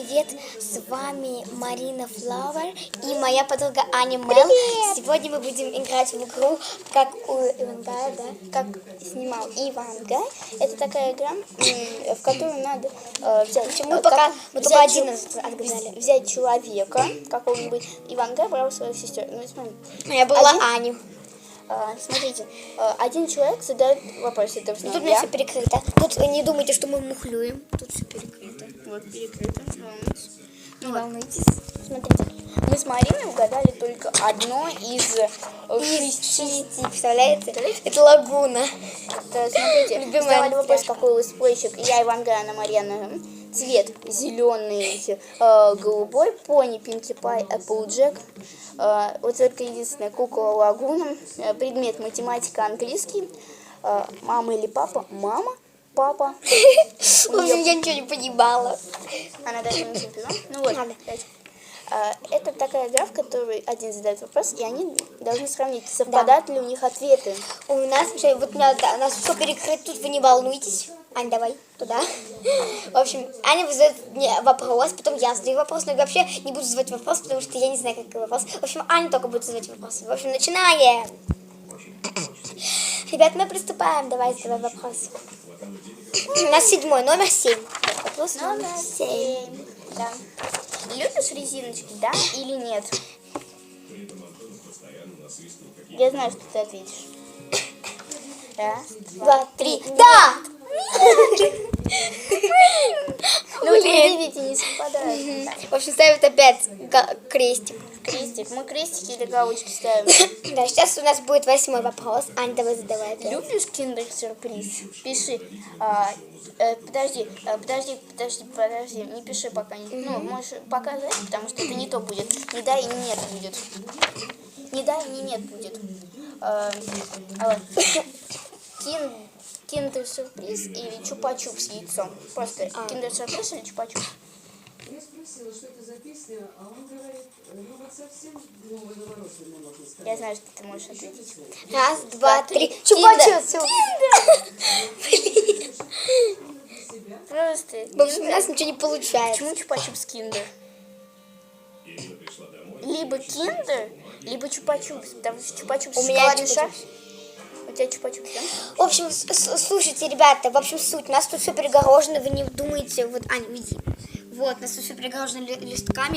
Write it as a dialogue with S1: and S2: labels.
S1: привет! С вами Марина Флауэр и моя подруга Аня Мел. Сегодня мы будем играть в игру, как у Ивангая, да? Как снимал Ивангай. Это такая игра, в которой надо взять... Мы только один отгадали. Взять человека, какого-нибудь. Ивангай брал свою сестру. Ну, смотри. Я была Аню. Смотрите, один человек задает вопрос. Это тут у меня все перекрыто. Тут не думайте, что мы мухлюем. Тут все перекрыто. Вот перекрыто. Не волнуйтесь. Смотрите, мы с Мариной угадали только одно из 6. Представляете? Это лагуна. Это, смотрите, задавали вопрос, какой летсплейщик. Я Ивангай, Анна Марьяна. Цвет зеленый, голубой, пони, Пинки Пай, Эпплджек. Вот только единственная кукла лагуна. Предмет математика, английский. Мама или папа? Мама, папа. В общем, я ничего не понимала. Она даже не чемпион. Ну вот. Это такая игра, в которой один задает вопрос, и они должны сравнить, совпадают ли у них ответы. У нас вот у нас все перекрыто, тут вы не волнуйтесь. Ань, давай туда. В общем, Аня задает мне вопрос, потом я задаю вопрос, но я вообще не буду задавать вопрос, потому что я не знаю, какой вопрос. В общем, Аня только будет задавать вопросы. В общем, начинаем. Ребят, мы приступаем. Давай задавай вопрос. У нас 7, номер 7. Вопрос номер 7. Да. Любишь резиночки, да или нет? Я знаю, что ты ответишь. Раз, два, три. Да! Ну, видите, не совпадает. В общем, ставят опять крестик. Крестик. Мы крестики или галочки ставим. Да, сейчас у нас будет 8 вопрос. Ань, давай задавай. Любишь киндер-сюрприз? Пиши. Подожди, не пиши пока. Ну, можешь показать, потому что это не то будет. Не да и не нет будет. Не да и не нет будет. Киндер-сюрприз или чупа-чуп с яйцом? Просто киндер-сюрприз или чупа-чуп?
S2: Я спросила, что это за песня, а он говорит, ну вот совсем новый навороченный, можно сказать.
S1: Я знаю, что ты можешь ответить. Раз, два, три. Чупа-чуп! Блин. Просто. В общем, у нас ничего не получается. Почему чупа-чуп с киндер? Либо киндер, либо чупа-чупс. Потому что чупа-чупс с шоколадный шар. У тебя чупа-чупс, да? В общем, слушайте, ребята, в общем, суть. У нас тут все перегорожено, вы не думаете, вот, Аня, иди. Вот, у нас тут все перегорожено листками.